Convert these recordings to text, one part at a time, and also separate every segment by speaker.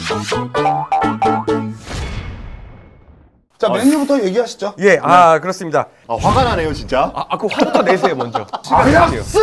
Speaker 1: 자, 메뉴부터 얘기하시죠.
Speaker 2: 예, 그렇습니다.
Speaker 3: 화가 나네요, 진짜.
Speaker 2: 그 화부터 내세요, 먼저.
Speaker 1: 아약스!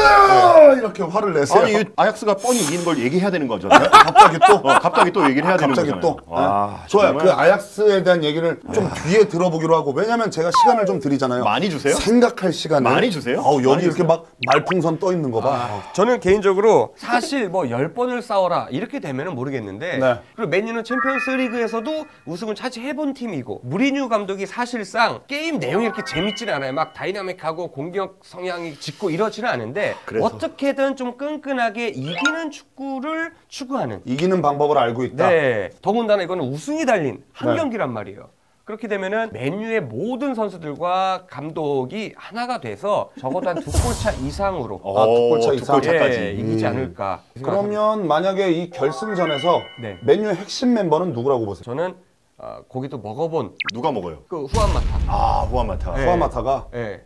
Speaker 1: 이렇게 화를 내세요.
Speaker 3: 아니, 아약스가 뻔히 이기는 걸 얘기해야 되는 거죠.
Speaker 1: 갑자기 또?
Speaker 3: 갑자기 또 얘기를 해야 되는
Speaker 1: 갑자기
Speaker 3: 거잖아요.
Speaker 1: 또? 좋아요. 그 아약스에 대한 얘기를 좀 뒤에 들어보기로 하고, 왜냐면 제가 시간을 좀 드리잖아요.
Speaker 3: 많이 주세요?
Speaker 1: 생각할 시간을.
Speaker 3: 많이 주세요?
Speaker 1: 여기
Speaker 3: 많이
Speaker 1: 이렇게 막 말풍선 떠 있는 거 봐.
Speaker 2: 저는 개인적으로 사실 뭐 10번을 싸워라 이렇게 되면은 모르겠는데
Speaker 1: 네.
Speaker 2: 그리고 맨유는 챔피언스 리그에서도 우승을 차지해본 팀이고 무리뉴 감독이 사실상 게임 내용이 이렇게 재밌지는 않아요. 막 다이나믹하고 공격 성향이 짙고 이러지는 않은데
Speaker 3: 그래서.
Speaker 2: 어떻게든 좀 끈끈하게 이기는 축구를 추구하는
Speaker 1: 이기는 방법을 알고 있다.
Speaker 2: 네. 더군다나 이거는 우승이 달린 한
Speaker 1: 네.
Speaker 2: 경기란 말이에요. 그렇게 되면은 맨유의 모든 선수들과 감독이 하나가 돼서 적어도 한 2골차 이상으로
Speaker 1: 두 골차 이상.
Speaker 3: 2골차까지.
Speaker 2: 예, 이기지 않을까.
Speaker 1: 그러면 만약에 이 결승전에서
Speaker 2: 네.
Speaker 1: 맨유의 핵심 멤버는 누구라고 보세요?
Speaker 2: 저는 고기도 먹어본
Speaker 3: 누가 먹어요?
Speaker 2: 그 후안마타.
Speaker 3: 후안마타.
Speaker 2: 네.
Speaker 1: 후아마타가.
Speaker 2: 예.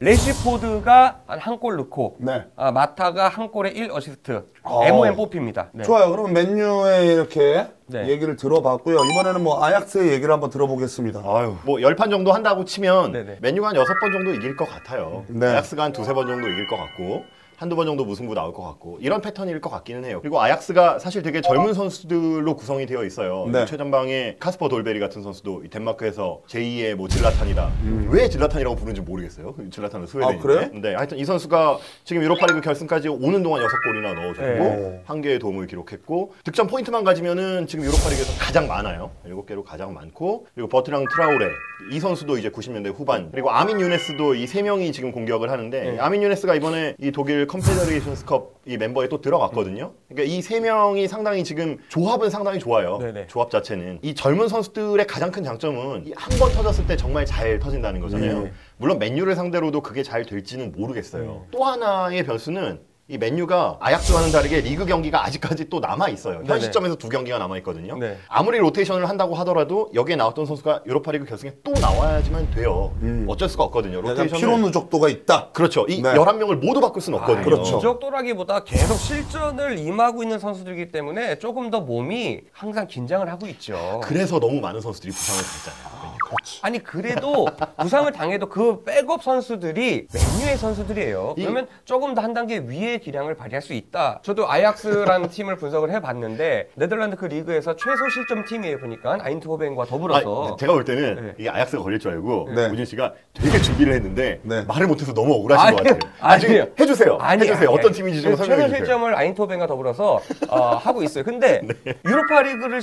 Speaker 2: 레시포드가 한 골 넣고
Speaker 1: 네.
Speaker 2: 마타가 한 골에 1어시스트. MOM 뽑힙니다. 네.
Speaker 1: 좋아요. 그럼 맨유의 이렇게
Speaker 2: 네.
Speaker 1: 얘기를 들어봤고요. 이번에는 뭐 아약스의 얘기를 한번 들어보겠습니다.
Speaker 3: 뭐 10판 정도 한다고 치면
Speaker 2: 네네.
Speaker 3: 맨유가 한 6번 정도 이길 것 같아요.
Speaker 1: 네.
Speaker 3: 아약스가 한 2-3번 정도 이길 것 같고 한두 번 정도 무승부 나올 것 같고 이런 패턴일 것 같기는 해요. 그리고 아약스가 사실 되게 젊은 선수들로 구성이 되어 있어요.
Speaker 1: 네.
Speaker 3: 최전방에 카스퍼 돌베리 같은 선수도 덴마크에서 제2의 뭐 질라탄이다. 왜 질라탄이라고 부르는지 모르겠어요. 질라탄은 스웨덴인데.
Speaker 1: 그래요?
Speaker 3: 네, 하여튼 이 선수가 지금 유로파리그 결승까지 오는 동안 6골이나 넣어줬고
Speaker 1: 네.
Speaker 3: 1개의 도움을 기록했고 득점 포인트만 가지면은 지금 유로파리그에서 가장 많아요. 7개로 가장 많고 그리고 버트랑 트라우레 이 선수도 이제 90년대 후반 그리고 아민 유네스도 이 3명이 지금 공격을 하는데 아민 유네스가 이번에 이 독일 컨페더레이션스컵 이 멤버에 또 들어갔거든요. 그러니까 이 3명이 상당히 지금 조합은 상당히 좋아요.
Speaker 2: 네네.
Speaker 3: 조합 자체는 이 젊은 선수들의 가장 큰 장점은 한 번 터졌을 때 정말 잘 터진다는 거잖아요. 물론 맨유를 상대로도 그게 잘 될지는 모르겠어요. 또 하나의 변수는 이 맨유가 아약스와는 다르게 리그 경기가 아직까지 또 남아 있어요. 현
Speaker 2: 네네.
Speaker 3: 시점에서 2경기가 남아 있거든요.
Speaker 2: 네.
Speaker 3: 아무리 로테이션을 한다고 하더라도 여기에 나왔던 선수가 유로파리그 결승에 또 나와야지만 돼요. 어쩔 수가 없거든요.
Speaker 1: 약간
Speaker 3: 로테이션을
Speaker 1: 피로 누적도가 있다.
Speaker 3: 그렇죠. 이
Speaker 1: 네.
Speaker 3: 11명을 모두 바꿀 수는 없거든요.
Speaker 1: 그렇죠.
Speaker 2: 누적도라기보다 계속 실전을 임하고 있는 선수들이기 때문에 조금 더 몸이 항상 긴장을 하고 있죠.
Speaker 3: 그래서 너무 많은 선수들이 부상을 당했잖아요.
Speaker 2: 아니 그래도 부상을 당해도 그 백업 선수들이 맨유의 선수들이에요. 그러면 조금 더 한 단계 위의 기량을 발휘할 수 있다. 저도 아약스라는 팀을 분석을 해봤는데 네덜란드 그 리그에서 최소 실점 팀이에요. 보니까 아인트호벤과 더불어서
Speaker 3: 제가 볼 때는
Speaker 2: 네.
Speaker 3: 이게 아약스가 걸릴 줄 알고
Speaker 1: 네.
Speaker 3: 우진 씨가 되게 준비를 했는데
Speaker 1: 네.
Speaker 3: 말을 못해서 너무 억울하신 것 같아요.
Speaker 2: 아니에요.
Speaker 3: 해주세요. 해주세요. 어떤 팀인지 좀 설명해
Speaker 2: 최소
Speaker 3: 주세요.
Speaker 2: 실점을 아인트호벤과 더불어서 하고 있어요. 근데 유로파 리그를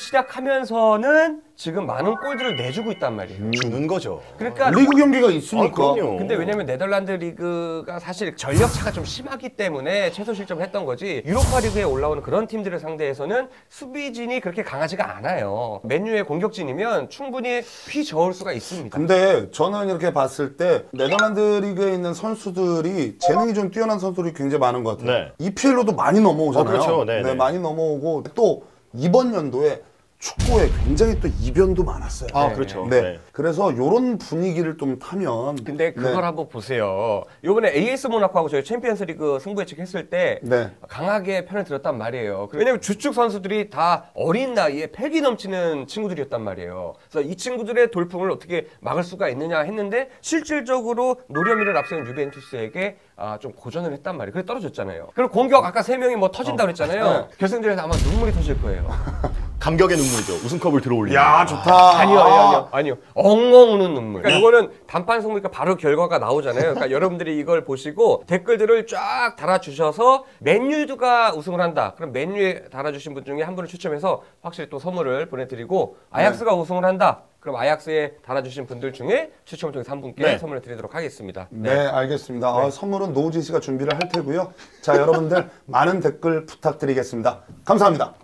Speaker 2: 시작하면서는 지금 많은 골들을 내주고 있단 말이에요.
Speaker 3: 주는 거죠.
Speaker 2: 그러니까
Speaker 1: 리그 경기가 있으니까.
Speaker 3: 그럼요.
Speaker 2: 근데 왜냐면 네덜란드 리그가 사실 전력 차가 좀 심하기 때문에 최소 실점을 했던 거지 유로파 리그에 올라오는 그런 팀들을 상대해서는 수비진이 그렇게 강하지가 않아요. 맨유의 공격진이면 충분히 휘저을 수가 있습니다.
Speaker 1: 근데 저는 이렇게 봤을 때 네덜란드 리그에 있는 선수들이 재능이 좀 뛰어난 선수들이 굉장히 많은 것 같아요.
Speaker 3: 네.
Speaker 1: EPL로도 많이 넘어오잖아요.
Speaker 3: 그렇죠. 네, 네.
Speaker 1: 많이 넘어오고 또 이번 연도에 축구에 굉장히 또 이변도 많았어요.
Speaker 3: 그렇죠.
Speaker 1: 네.
Speaker 3: 네.
Speaker 1: 그래서 이런 분위기를 좀 타면.
Speaker 2: 근데 그걸
Speaker 1: 네.
Speaker 2: 한번 보세요. 요번에 AS 모나코하고 저희 챔피언스 리그 승부 예측했을 때
Speaker 1: 네.
Speaker 2: 강하게 편을 들었단 말이에요. 왜냐면 주축 선수들이 다 어린 나이에 패기 넘치는 친구들이었단 말이에요. 그래서 이 친구들의 돌풍을 어떻게 막을 수가 있느냐 했는데 실질적으로 노련미를 앞세운 유벤투스에게 좀 고전을 했단 말이에요. 그래 떨어졌잖아요. 그리고 공격 아까 3명이 뭐 터진다 그랬잖아요. 결승전에서 아마 눈물이 터질 거예요.
Speaker 3: 감격의 눈물이죠. 우승컵을 들어올리는.
Speaker 1: 야, 좋다.
Speaker 2: 아니요. 엉엉 우는 눈물. 그러니까 이거는 단판 승부니까 바로 결과가 나오잖아요. 그러니까 여러분들이 이걸 보시고 댓글들을 쫙 달아주셔서 맨유가 우승을 한다. 그럼 맨유에 달아주신 분 중에 한 분을 추첨해서 확실히 또 선물을 보내드리고 아약스가 우승을 한다. 그럼 아약스에 달아주신 분들 중에 추첨을 통해서 한 분께 선물을 드리도록 하겠습니다.
Speaker 1: 네, 알겠습니다. 선물은 노우진 씨가 준비를 할 테고요. 자, 여러분들 많은 댓글 부탁드리겠습니다. 감사합니다.